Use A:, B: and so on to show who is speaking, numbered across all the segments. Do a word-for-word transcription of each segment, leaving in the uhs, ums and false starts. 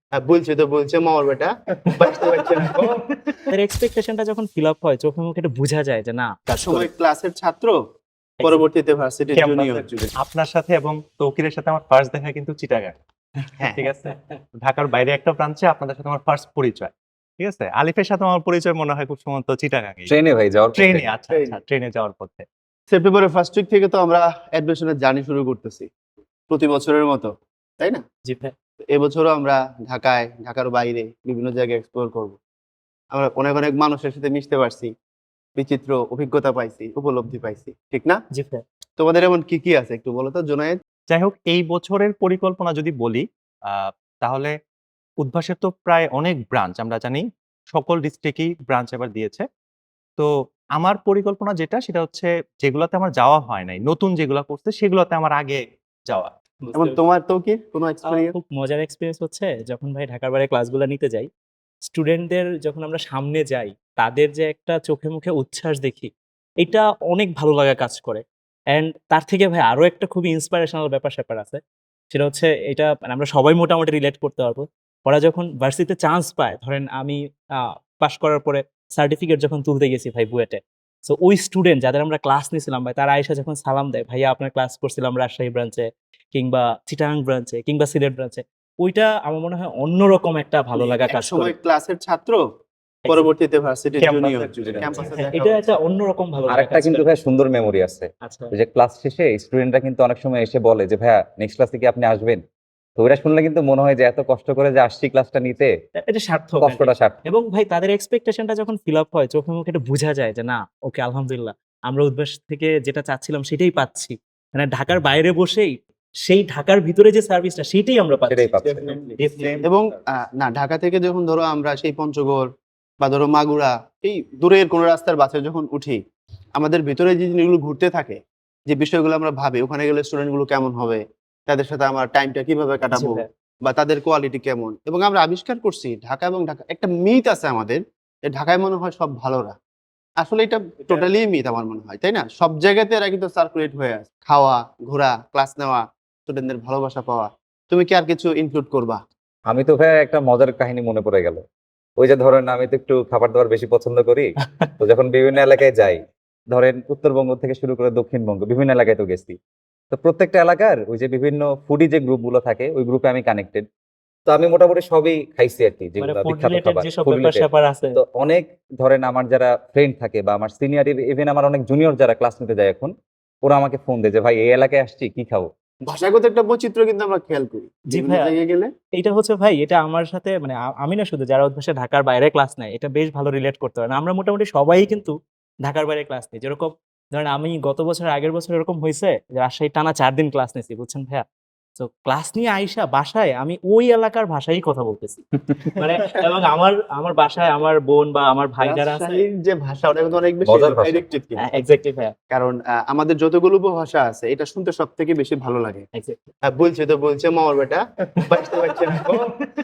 A: হ্যাঁ, বলছি তো বলছে মামার বেটা বাঁচতে পারছে না গো।
B: তাদের এক্সপেকটেশনটা যখন ফিল আপ হয় চোখে মুখে এটা বোঝা যায় যে না কাজ করে।
A: সময় ক্লাসের ছাত্র পরবর্তীতে ভার্সিটির জুনিয়র।
C: আপনার সাথে এবং তৌকিরের সাথে আমার ফার্স্ট দেখা কিন্তু চিটাগাং,
A: হ্যাঁ
C: ঠিক আছে। ঢাকার বাইরে একটা ব্রাঞ্চে আপনাদের সাথে আমার ফার্স্ট পরিচয়, ঠিক আছে। আলিফের সাথে আমার পরিচয় মনে হয় খুব সম্ভবত চিটাগাং,
D: ট্রেনে ভাই যাওয়ার পথে।
C: ট্রেনে। আচ্ছা আচ্ছা, ট্রেনে যাওয়ার পথে।
A: সেপ্টেম্বরের ফার্স্ট উইক থেকে তো আমরা অ্যাডমিশনের জার্নি শুরু করতেছি প্রতি বছরের মতো, তাই না?
B: জি ভাই।
A: তো এবছরও আমরা ঢাকায়, ঢাকার বাইরে বিভিন্ন জায়গায় এক্সপ্লোর করব। আমরা অনেক অনেক মানুষের সাথে মিশতে পারছি, বিচিত্র অভিজ্ঞতা পাইছি, উপলব্ধি পাইছি, ঠিক না?
B: জি ভাই।
A: তোমাদের এমন কি কি আছে একটু বলো তো জুনায়েদ।
C: যাই হোক, এই বছরের পরিকল্পনা যদি বলি আহ, তাহলে উদ্ভাসের তো প্রায় অনেক ব্রাঞ্চ, আমরা জানি সকল ডিস্ট্রিক্টই ব্রাঞ্চ এবার দিয়েছে। তো আমার পরিকল্পনা যেটা, সেটা হচ্ছে যেগুলোতে আমার যাওয়া হয় নাই, নতুন যেগুলো করছে সেগুলোতে আমার আগে যাওয়া।
A: এবং তোমার তো কি কোনো
B: আমার
A: এক্সপেরিয়েন্স?
B: খুব মজার এক্সপেরিয়েন্স হচ্ছে যখন ভাই ঢাকার বাইরে ক্লাসগুলো নিতে যাই, স্টুডেন্টদের যখন আমরা সামনে যাই, তাদের যে একটা চোখে মুখে উচ্ছ্বাস দেখি, এটা অনেক ভালো লাগা কাজ করে। অ্যান্ড তার থেকে ভাই আরো একটা খুবই ইন্সপিরেশনাল ব্যাপার-স্যাপার আছে। সেটা হচ্ছে এটা মানে আমরা সবাই মোটামুটি রিলেট করতে পারবো। ওরা যখন ভার্সিটিতে চান্স পায়, ধরেন আমি আ পাস করার পরে সার্টিফিকেট যখন তুলতে গেছি ভাই বুয়েটে। সো ওই স্টুডেন্ট যাদের আমরা ক্লাস নিছিলাম ভাই, তারা আইসা যখন সালাম দেয়, "ভাইয়া আপনার ক্লাস করছিলাম রাজশাহী ব্রাঞ্চে কিংবা চিটাগাং ব্রাঞ্চে কিংবা সিলেট ব্রাঞ্চে।" ওইটা আমার মনে হয় অন্যরকম একটা ভালো লাগা কাজ করে।
A: সময় ক্লাসের ছাত্র পরবর্তীতে ভার্সিটির জুনিয়র, ক্যাম্পাসে
B: হ্যাঁ,
A: দেখা
B: এটা
A: হচ্ছে।
B: একটা অন্যরকম ভালো লাগা
D: আরেকটা
B: কাজ
D: কিন্তু
B: করে।
D: ভাই সুন্দর মেমোরি আছে।
B: আচ্ছা।
D: ওই যে ক্লাস শেষে স্টুডেন্টরা কিন্তু অনেক সময় এসে বলে যে ভাইয়া নেক্সট ক্লাসে কি আপনি আসবেন? তো ওইটা শুনলে কিন্তু মনে হয় যে এত কষ্ট করে যে আসছি ক্লাসটা নিতে,
B: এ- এটা সার্থক
D: কষ্টটা সার্থক।
B: এবং ভাই তাদের এক্সপেকটেশনটা যখন ফিল আপ হয় চোখে মুখে এটা বোঝা যায় যে না ওকে আলহামদুলিল্লাহ আমরা উদ্ভাস থেকে যেটা চাচ্ছিলাম সেটাই পাচ্ছি। মানে ঢাকার বাইরে বসেই সেই ঢাকার ভিতরে যে সার্ভিসটা সেটাই আমরা পাচ্ছি।
D: সেটাই পাচ্ছে।
B: Definitely.
A: এবং আহ, না ঢাকা থেকে যখন ধরো আমরা সেই পঞ্চগড় বা ধরো মাগুরা এই দূরের কোনো রাস্তার বাসে যখন উঠি, আমাদের ভিতরে যে জিনিসগুলো ঘুরতে থাকে, যে বিষয়গুলো আমরা ভাবি ওখানে গেলে স্টুডেন্ট গুলো কেমন হবে, তাদের সাথে আমার টাইমটা কিভাবে
B: জি
A: কাটাবো
B: ভাই।
A: বা তাদের কোয়ালিটি কেমন, এবং আমরা আবিষ্কার করছি ঢাকা এবং ঢাকা একটা মিথ আছে আমাদের যে ঢাকায় মনে হয় সব ভালোরা। আসলে এটা টোটালি মিথ আমার মনে হয়, তাই না? সব জায়গাতে এরা কিন্তু সার্কুলেট হয়ে আছে, খাওয়া, ঘোরা, ক্লাস নেওয়া, স্টুডেন্টদের ভালোবাসা পাওয়া। তুমি কি আর কিছু ইনক্লুড করবা?
D: আমি তো ভাই একটা মজার কাহিনী মনে পড়ে গেল। ওই যে ধরেন আমি তো একটু খাবার দাবার বেশি পছন্দ করি। তো যখন বিভিন্ন এলাকায় যাই, ধরেন উত্তরবঙ্গ থেকে শুরু করে দক্ষিণবঙ্গ বিভিন্ন এলাকায় তো গেছি। তো প্রত্যেকটা এলাকার ওই যে বিভিন্ন ফুডি যে গ্রুপগুলো থাকে ওই গ্রুপে আমি কানেক্টেড। তো আমি মোটামুটি সবই খাইছি আর কি,
B: মানে
D: যেগুলো
B: ফুড
D: বিখ্যাত
B: রিলেটেড
D: খাবার
B: যেসব
D: food
B: ব্যাপার
D: related।
B: স্যাপার আছে।
D: তো অনেক ধরেন আমার যারা ফ্রেন্ড থাকে বা আমার সিনিয়র, ইভেন আমার অনেক জুনিয়র যারা ক্লাস নিতে যায় এখন, ওরা আমাকে ফোন দেয় যে ভাই এই এলাকায় আসছি, কি খাবো?
A: ভাষাগত একটা বৈচিত্র্য কিন্তু আমরা খেয়াল করি
B: জি
A: বিভিন্ন
B: ভাইয়া।
A: জায়গায় গেলে।
B: এইটা হচ্ছে ভাই এটা আমার সাথে মানে আ- আমি না শুধু যারা অভ্যাসে ঢাকার বাইরে ক্লাস নেয় এটা বেশ ভালো রিলেট করতে পারে না। আমরা মোটামুটি সবাই কিন্তু ঢাকার বাইরে ক্লাস নিই। যেরকম ধরেন আমি গত বছর আগের বছর এরকম হয়েছে যে রাজশাহী টানা চার দিন ক্লাস নিয়েছি বুঝছেন ভাইয়া। তো ক্লাস নিয়ে আইসা বাসায় আমি ওই এলাকার ভাষায় কথা বলতেছি। মানে এবং আমার আমার বাসায় আমার বোন বা আমার ভাই যারা আছে
A: রাজশাহীর যে ভাষা ওটা কিন্তু অনেক বেশি
D: মজার ভাষা।
A: ডাইরেক্টেড কিন্তু।
B: এক্স্যাক্টলি ভাইয়া
A: কারণ আহ, আমাদের যতগুলো উপভাষা আছে এটা শুনতে সব থেকে বেশি ভালো লাগে।
B: এক্স্যাক্টলি
A: হ্যাঁ, বলছে তো বলছে মামার বেটা বাঁচতে পারছে না গো।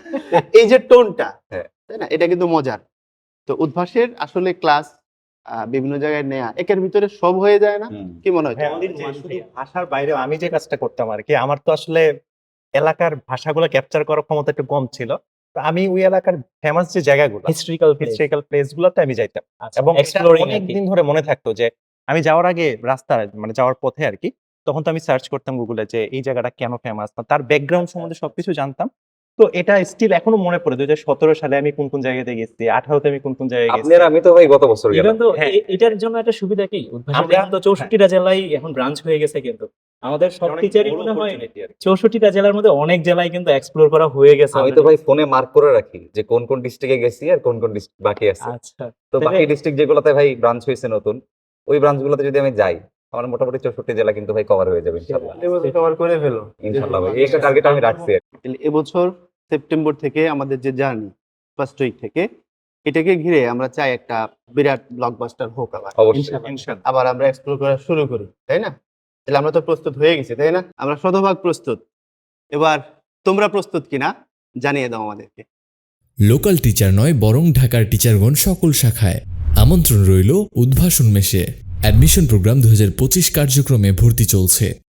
A: এই যে টোনটা,
D: হ্যাঁ।
A: তাই না, এটা কিন্তু মজার। তো উদ্ভাসের আসলে ক্লাস বিভিন্ন জায়গায় নেয়া একের ভিতরে সব হয়ে যায় না,
D: হুম।
A: কি মনে হয়
C: হ্যাঁ,
A: তোমার?
C: যে শুধু ভাষার বাইরে আমি যে কাজটা করতাম আর কি, আমার তো আসলে এলাকার ভাষাগুলো ক্যাপচার করার ক্ষমতা একটু কম ছিল। তো আমি ওই এলাকার ফেমাস যে জায়গাগুলো,
B: হিস্ট্রিক্যাল
C: হিস্ট্রিক্যাল প্লেস গুলোতে আমি যাইতাম
B: আচ্ছা
C: এবং
B: এক্সপ্লোরিং
C: অনেক দিন ধরে মনে থাকতো যে আমি যাওয়ার আগে রাস্তা মানে যাওয়ার পথে আর কি, তখন তো আমি সার্চ করতাম গুগলে যে এই জায়গাটা কেন ফেমাস, তার ব্যাকগ্রাউন্ড সম্বন্ধে সবকিছু জানতাম। তো এটা স্টিল এখনো মনে পড়ে দুই হাজার সতেরো সালে আমি কোন কোন জায়গাতে গেছি, আঠারোতে আমি কোন কোন জায়গায় গেছি।
D: আপনার আমি তো ভাই গত বছর গেলাম।
B: ইভেন তো
C: হ্যাঁ।
B: এ- এটার জন্য একটা সুবিধা কি উদ্ভাসের
C: আমরা-
B: এখন তো চৌষট্টিটা জেলায় এখন ব্রাঞ্চ হয়ে গেছে কিন্তু আমাদের সব
C: অনেক
B: টিচারই
C: বড়
B: মনে হয়
C: opportunity আর কি।
B: চৌষট্টিটা জেলার মধ্যে অনেক জেলায় কিন্তু এক্সপ্লোর করা হয়ে গেছে
D: আমি তো ভাই ফোনে মার্ক করে রাখি যে কোন কোন ডিস্ট্রিক্টে গেছি আর কোন কোন ডিস্ট্রিক্ট বাকি আছে।
B: আচ্ছা
D: তো
B: তবে-
D: বাকি ডিস্ট্রিক্ট যেগুলোতে ভাই ব্রাঞ্চ হয়েছে নতুন, ওই ব্রাঞ্চগুলোতে যদি আমি যাই, আমার মোটামুটি চৌষট্টি জেলা কিন্তু ভাই কভার হয়ে যাবে ইনশাআল্লাহ।
A: এবছর কভার করে ফেলো
D: ইনশাআল্লাহ ভাই, এই একটা টার্গেট আমি রাখছি আর কি।
A: তাহলে এবছর সেপ্টেম্বর থেকে আমাদের যে জার্নি ফার্স্ট উইক থেকে, এটাকে ঘিরে আমরা চাই একটা বিরাট ব্লকবাস্টার হোক আবার,
D: অবশ্যই।
B: ইনশাআল্লাহ।
C: ইনশাআল্লাহ।
A: আবার আমরা এক্সপ্লোর করা শুরু করি, তাই না? তাহলে আমরা তো প্রস্তুত হয়ে গেছি, তাই না? আমরা শতভাগ প্রস্তুত। এবার তোমরা প্রস্তুত কিনা জানিয়ে দাও আমাদেরকে।
E: লোকাল টিচার নয় বরং ঢাকার টিচারগণ সকল শাখায় আমন্ত্রণ রইল উদ্ভাসন মেশে। অ্যাডমিশন প্রোগ্রাম দু হাজার পঁচিশ কার্যক্রমে ভর্তি চলছে।